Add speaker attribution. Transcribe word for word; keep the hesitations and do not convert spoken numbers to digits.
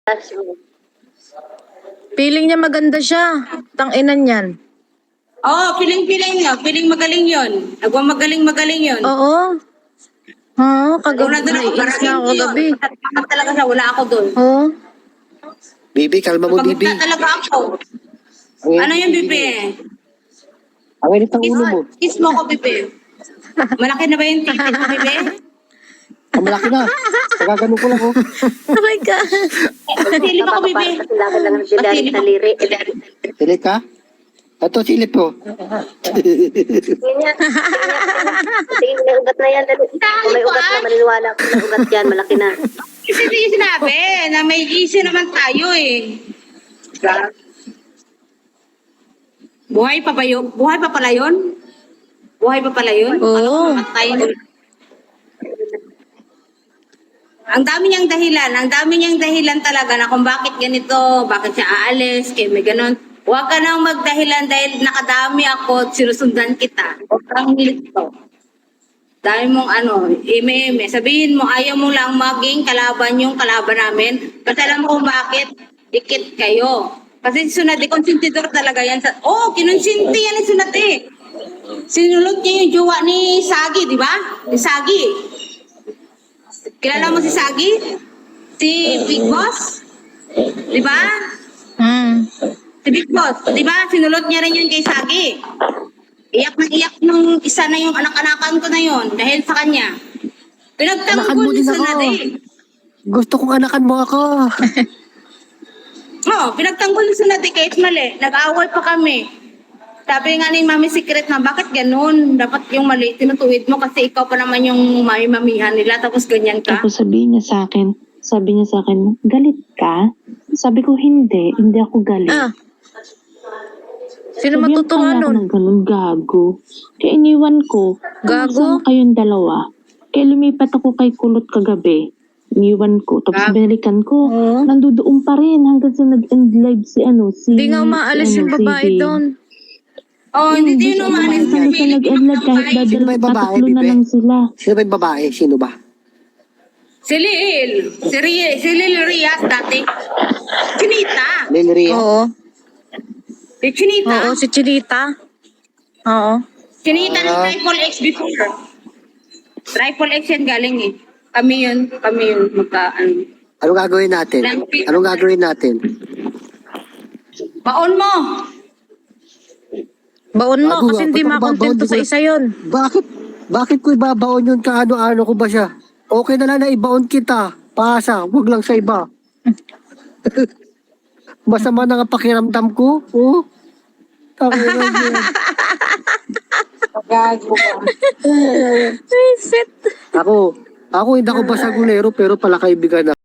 Speaker 1: Feeling niya maganda siya. Tang-inan yan.
Speaker 2: Oo, oh, piling-piling niya. Piling magaling yon. Nagmamagaling-magaling yon.
Speaker 1: Oo. Ha,
Speaker 2: Kung
Speaker 1: kagabi.
Speaker 2: nandun ako,
Speaker 1: Naiinis na ako kagabi.
Speaker 2: Bakit talaga siya, wala ako doon.
Speaker 1: Oo.
Speaker 3: Bibi, kalma mo, Bibi.
Speaker 2: Pagkita talaga ako. Ano yung Bibi?
Speaker 3: Ang init ang ulo mo.
Speaker 2: Kiss mo ko, Bibi. Malaki na ba yung titit mo, Bibi?
Speaker 3: Ang malaki na. Nagagano ko lang, oh.
Speaker 1: Oh my God.
Speaker 2: Silip ako, Bibi. Silip ako.
Speaker 3: Silip ka? Ito, silip ko.
Speaker 4: Tingin may ugat na yan. Kung may ugat na, maniniwala ko may ugat yan, malaki na.
Speaker 2: Kasi hindi yung sinabi na may issue naman tayo eh. Buhay pa ba yun? Buhay pa pala yun? Buhay pa pala yun?
Speaker 1: Oo.
Speaker 2: Matay na. Ang dami niyang dahilan, ang dami niyang dahilan talaga na kung bakit ganito, bakit siya aalis, kaya may ganon. Huwag ka nang magdahilan dahil nakadami ako at sinusundan kita. Huwag kang nilito. Dahil mong ano, ime-ime, sabihin mo ayaw mo lang maging kalaban yung kalaban namin. Kasi alam mo kung bakit, dikit kayo. Kasi si Sunati, konsentidor talaga yan. Sa, oh, kinonsinti yan ni Sunati. Sinulot niya yung jowa ni Sagi, di ba? Ni Sagi. Kilala mo si Sagi? Si Big Boss? Di ba?
Speaker 1: Hmm.
Speaker 2: Si Big Boss, di ba? Sinulot niya rin yun kay Sagi. Iyak na iyak nung isa na yung anak-anakan ko na yun dahil sa kanya.
Speaker 3: Anakan
Speaker 2: Pinagtanggol
Speaker 3: mo din
Speaker 2: sa
Speaker 3: ako.
Speaker 2: Sunati.
Speaker 3: Gusto kong anakan mo ako.
Speaker 2: Oo, pinagtanggol sa Sunati kahit mali. Nag-away pa kami. Sabi nga ni Mami Secret na, bakit ganun? Dapat yung mali, tinutuwid mo kasi ikaw pa naman yung mami-mamihan nila tapos ganyan ka.
Speaker 5: Tapos sabihin niya sa akin, sabi niya sa akin, galit ka? Sabi ko, hindi, hindi ako galit.
Speaker 1: Ah. Sino
Speaker 5: Sabihan
Speaker 1: matutuwa
Speaker 5: pala ako
Speaker 1: nun?
Speaker 5: ng ganun, gago. Kaya iniwan ko,
Speaker 1: Gago?
Speaker 5: kamusta kayong dalawa? Kaya lumipat ako kay Kulot kagabi. Iniwan ko, tapos
Speaker 2: Ah.
Speaker 5: binalikan ko.
Speaker 1: Oo.
Speaker 5: Nandoon pa rin hanggang sa nag-end live si ano, si...
Speaker 1: Hindi nga umaalis
Speaker 5: si,
Speaker 1: yung
Speaker 5: ano,
Speaker 1: babae
Speaker 5: si-
Speaker 1: doon.
Speaker 2: Oh, hindi din
Speaker 5: siya
Speaker 2: umalis
Speaker 5: umaalis hanggang sa nag-end live kahit
Speaker 3: Sino ba
Speaker 5: dadal,
Speaker 3: yung babae,
Speaker 5: tatatlo na
Speaker 3: Bibe?
Speaker 5: lang sila.
Speaker 3: Sino ba yung babae? Sino ba?
Speaker 2: Si Lil. Si, Ri- si Lil Rias dati. Chinita.
Speaker 3: Lilria.
Speaker 1: Oo.
Speaker 2: Si Chinita.
Speaker 1: Oo, si Chinita. Oo.
Speaker 2: Chinita ng
Speaker 3: Ah.
Speaker 2: Triple X before. Triple X yan galing eh. Kami yun. Kami yun. Magka, ano.
Speaker 3: Anong gagawin natin? Anong gagawin natin?
Speaker 2: Baon mo.
Speaker 1: Baon mo
Speaker 3: Bago,
Speaker 1: kasi hindi
Speaker 3: ba't ako
Speaker 1: makontento
Speaker 3: babaon?
Speaker 1: sa isa yon.
Speaker 3: Bakit? Bakit ko ibabaon yun? Kaano-ano ko ba siya? Okay na lang na ibaon kita. Pasa. Huwag lang sa iba. Masama na nga pakiramdam ko. Oh. Tangina niya.
Speaker 2: Gago ka.
Speaker 1: Ay, shit.
Speaker 3: Ako, ako hindi ako basagulero pero pala kaibigan na.